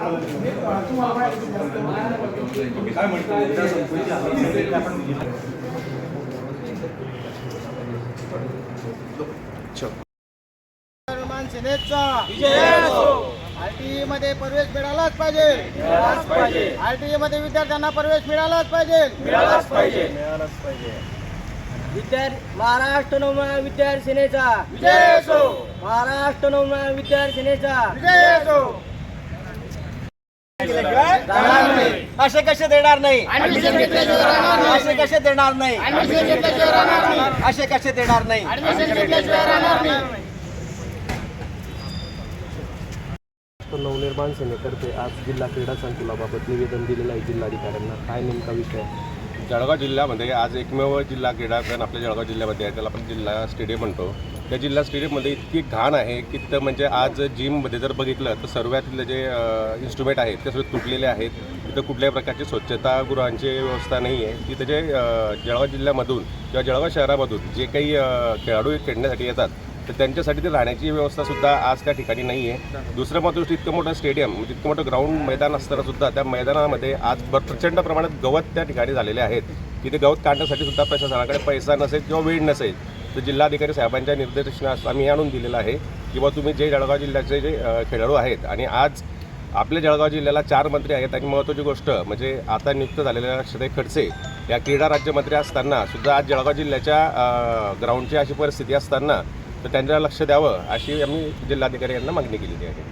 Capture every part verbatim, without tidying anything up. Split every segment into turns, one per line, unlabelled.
सेनेचा आरटीई मध्ये प्रवेश मिळालाच पाहिजे, मिळालाच पाहिजे। आरटीई मध्ये विद्यार्थ्यांना प्रवेश मिळालाच पाहिजे, मिळालाच पाहिजे, मिळालाच पाहिजे।
विद्यार्थी महाराष्ट्र नवनिर्माण विद्यार्थी सेनेचा
विजय असो,
महाराष्ट्र नवनिर्माण विद्यार्थी सेनेचा
विजय असो।
असे कसे देणार नाही,
ऍडमिशन घेतल्याशिवाय राहणार नाही,
असे कसे देणार नाही,
ऍडमिशन घेतल्याशिवाय राहणार नाही,
असे कसे देणार नाही,
ऍडमिशन घेतल्याशिवाय राहणार नाही।
नवनिर्माण सेनेतर्फे आज जिल्हा क्रीडा संकुलाबाबत निवेदन दिलेलं आहे जिल्हाधिकाऱ्यांना। काय नेमका विषय आहे?
जळगाव जिल्ह्यामध्ये आज एकमेव जिल्हा क्रीडांगण आपल्या जळगाव जिल्ह्यामध्ये आहे, त्याला आपण जिल्हा स्टेडियम म्हणतो। त्या जिल्हा स्टेडियममध्ये इतकी घाण आहे की तर म्हणजे आज जिममध्ये जर बघितलं तर सर्वातले जे इन्स्ट्रुमेंट आहेत ते सगळे तुटलेले आहेत। तिथं कुठल्याही प्रकारची स्वच्छतागृहांची व्यवस्था नाही आहे। तिथं जे जळगाव जिल्ह्यामधून किंवा जळगाव शहरामधून जे काही खेळाडू खेळण्यासाठी येतात तर त्यांच्यासाठी ते राहण्याची व्यवस्थासुद्धा आज त्या ठिकाणी नाही आहे। दुसरं महत्त्वाचं, इतकं मोठं स्टेडियम म्हणजे इतकं मोठं ग्राउंड मैदान असतानासुद्धा त्या मैदानामध्ये आज प्रचंड प्रमाणात गवत त्या ठिकाणी झालेले आहेत की ते गवत काढण्यासाठी सुद्धा प्रशासनाकडे पैसा नसेल किंवा वेळ नसेल। तर जिल्हाधिकारी साहेबांच्या निर्देशनास आम्ही आणून दिलेलं आहे की बा तुम्ही जे जळगाव जिल्ह्याचे जे खेळाडू आहेत आणि आज आपल्या जळगाव जिल्ह्याला चार मंत्री आहेत आणि महत्त्वाची गोष्ट म्हणजे आता नियुक्त झालेल्या श्री खडसे या क्रीडा राज्यमंत्री असताना सुद्धा आज जळगाव जिल्ह्याच्या ग्राउंडची अशी परिस्थिती असताना तर त्यांना लक्ष द्यावं अशी आम्ही जिल्हाधिकारी यांना मागणी केलेली आहे।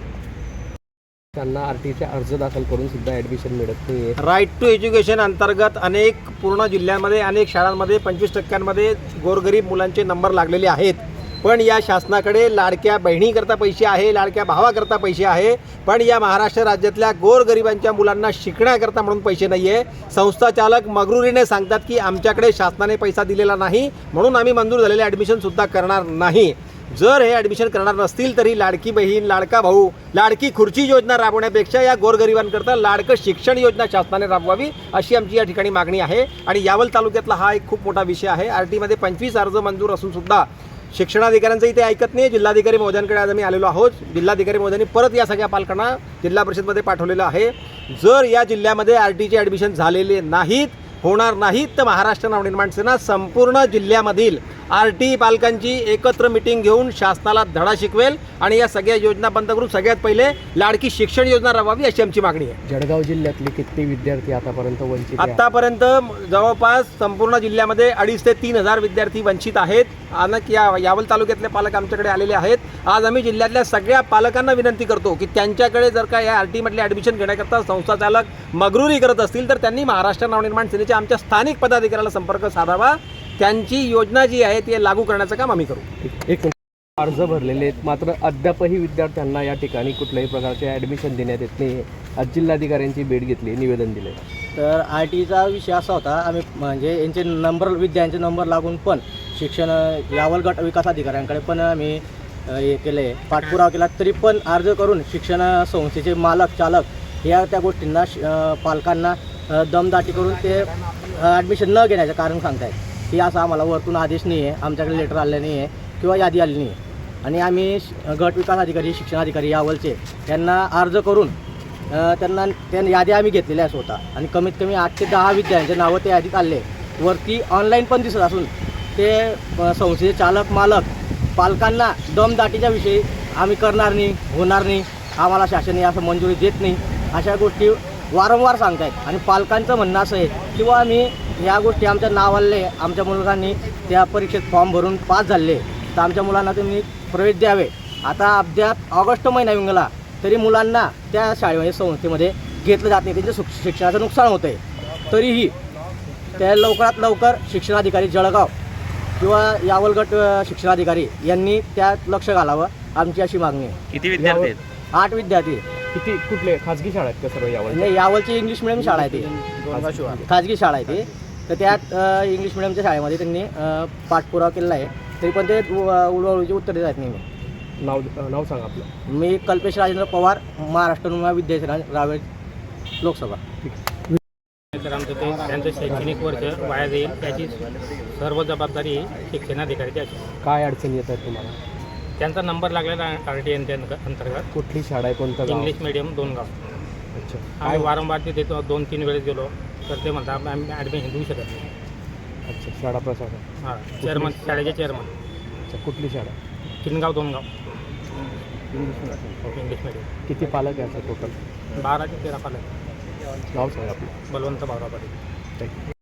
त्यांना आरटीचे अर्ज दाखल करून सुद्धा ॲडमिशन मिळत नाही आहे।
राईट टू एज्युकेशन अंतर्गत अनेक पूर्ण जिल्ह्यांमध्ये अनेक शाळांमध्ये पंचवीस टक्क्यांमध्ये गोरगरीब मुलांचे नंबर लागलेले आहेत, पण या शासनाकडे लाडक्या बहिणीकरता पैसे आहे, लाडक्या भावाकरता पैसे आहे, पण या महाराष्ट्र राज्यातल्या गोरगरिबांच्या मुलांना शिकण्याकरता म्हणून पैसे नाही आहे। संस्था चालक मगरुरीने सांगतात की आमच्याकडे शासनाने पैसा दिलेला नाही म्हणून आम्ही मंजूर झालेले ॲडमिशनसुद्धा करणार नाही। जर हे ॲडमिशन करणार नसतील तरी लाडकी बहीण, लाडका भाऊ, लाडकी खुर्ची योजना राबवण्यापेक्षा या गोरगरिबांकरता लाडकं शिक्षण योजना शासनाने राबवावी अशी आमची या ठिकाणी मागणी आहे। आणि यावल तालुक्यातला हा एक खूप मोठा विषय आहे। आर टीमध्ये पंचवीस अर्ज मंजूर असून सुद्धा शिक्षणाधिकाऱ्यांचंही ते ऐकत नाही। जिल्हाधिकारी महोदयांकडे आज आम्ही आलेलो आहोत। जिल्हाधिकारी महोदयांनी परत या सगळ्या पालकांना जिल्हा परिषदमध्ये पाठवलेलं आहे। जर या जिल्ह्यामध्ये आर टीचे ॲडमिशन झालेले नाहीत, होणार नाहीत तर महाराष्ट्र नवनिर्माण सेना संपूर्ण जिल्ह्यामधील आर टी पालकांची एकत्र मिटिंग घेऊन शासनाला धडा शिकवेल आणि या सगळ्या योजना बंद करून सगळ्यात पहिले लाडकी शिक्षण योजना राबवावी अशी आमची मागणी आहे।
जळगाव जिल्ह्यातले किती विद्यार्थी आतापर्यंत वंचित आहेत?
आतापर्यंत जवळपास संपूर्ण जिल्ह्यामध्ये अडीच ते तीन हजार विद्यार्थी वंचित आहेत। अनेक या यावल तालुक्यातले पालक आमच्याकडे आलेले आहेत। आज आम्ही जिल्ह्यातल्या सगळ्या पालकांना विनंती करतो की त्यांच्याकडे जर का या आर टीमधले ॲडमिशन घेण्याकरता संस्था चालक मगरुरी करत असतील तर त्यांनी महाराष्ट्र नवनिर्माण सेनेच्या आमच्या स्थानिक पदाधिकाऱ्याला संपर्क साधावा। त्यांची योजना जी आहे ती लागू करण्याचं काम आम्ही करू।
एक अर्ज भरलेले आहेत मात्र अद्यापही विद्यार्थ्यांना या ठिकाणी कुठल्याही प्रकारचे ॲडमिशन देण्यात येत नाही। आज जिल्हाधिकाऱ्यांची भेट घेतली, निवेदन दिले।
तर आर टीचा विषय असा होता, आम्ही म्हणजे यांचे नंबर विद्यार्थ्यांचे नंबर लागून पण शिक्षण यावल गट विकास अधिकाऱ्यांकडे पण आम्ही हे केले, पाठपुरावा केला, तरी पण अर्ज करून शिक्षण संस्थेचे मालक चालक या त्या गोष्टींना पालकांना दमदाटी करून ते ॲडमिशन न घेण्याचं कारण सांगतायत की असं आम्हाला वरतून आदेश नाही आहे, आमच्याकडे लेटर आले नाही आहे किंवा यादी आली नाही आहे। आणि आम्ही गट विकास अधिकारी, शिक्षणाधिकारी यावलचे यांना अर्ज करून त्यांना त्या यादी आम्ही घेतलेल्या स्वतः आणि कमीत कमी आठ ते दहा विद्यार्थ्यांचे नावं त्या यादीत आले, वरती ऑनलाईन पण दिसत असून ते संस्थेचे चालक मालक पालकांना दमदाटीच्या विषयी आम्ही करणार नाही, होणार नाही, आम्हाला शासनाने असं मंजुरी देत नाही अशा गोष्टी वारंवार सांगत आहेत। आणि पालकांचं म्हणणं असं आहे किंवा आम्ही ह्या गोष्टी आमच्या नावाले आमच्या मुलांनी त्या परीक्षेत फॉर्म भरून पास झाले तर आमच्या मुलांना तुम्ही प्रवेश द्यावे। आता अद्याप ऑगस्ट महिना येऊन गेला तरी मुलांना त्या शाळेमध्ये संस्थेमध्ये घेतलं जात नाही, त्यांच्या शिक्षणाचं नुकसान होतं आहे। तरीही त्या लवकरात लवकर शिक्षणाधिकारी जळगाव किंवा यावल गट शिक्षणाधिकारी यांनी त्यात लक्ष घालावं आमची अशी मागणी आहे।
किती विद्यार्थी आहेत?
आठ विद्यार्थी।
किती कुठले खाजगी शाळा आहेत का सर्व यावल?
नाही, यावलची इंग्लिश मिडियम शाळा आहे ती, खाजगी शाळा आहे ती। तर त्यात इंग्लिश मिडियमच्या शाळेमध्ये त्यांनी पाठपुरावा केलेला आहे, तरी पण ते उडवळीची उत्तर देत आहेत नाही।
नाव नाव सांगा आपलं।
मी कल्पेश राजेंद्र पवार, महाराष्ट्र नवनिर्माण विद्यार्थी सेना रावेर लोकसभा।
तर आमचं ते त्यांचं शैक्षणिक वर्ष वाया जाईल त्याची सर्व जबाबदारी शिक्षणाधिकाऱ्याची असेल।
काय अडचणी येत आहेत तुम्हाला?
त्यांचा नंबर लागलेला आर टी एन अंतर्गत.
कुठली शाळा आहे, कोणतं गाव?
इंग्लिश मिडियम दोन गाव.
अच्छा.
आम्ही वारंवार तिथे तो दोन तीन वेळेस गेलो तर ते म्हणतात आम्ही ॲडमिशन देऊ शकत नाही.
अच्छा, शाळा प्रशासन.
हां, चेअरमन, शाळेचे चेअरमन.
अच्छा, कुठली शाळा?
किनगाव दोन गाव
ओके.
English medium.
किती पालक आहे असं टोटल?
बारा ते तेरा पालक.
गाव सांगा आपलं.
बलवंत भावरा पाटील.
थँक्यू.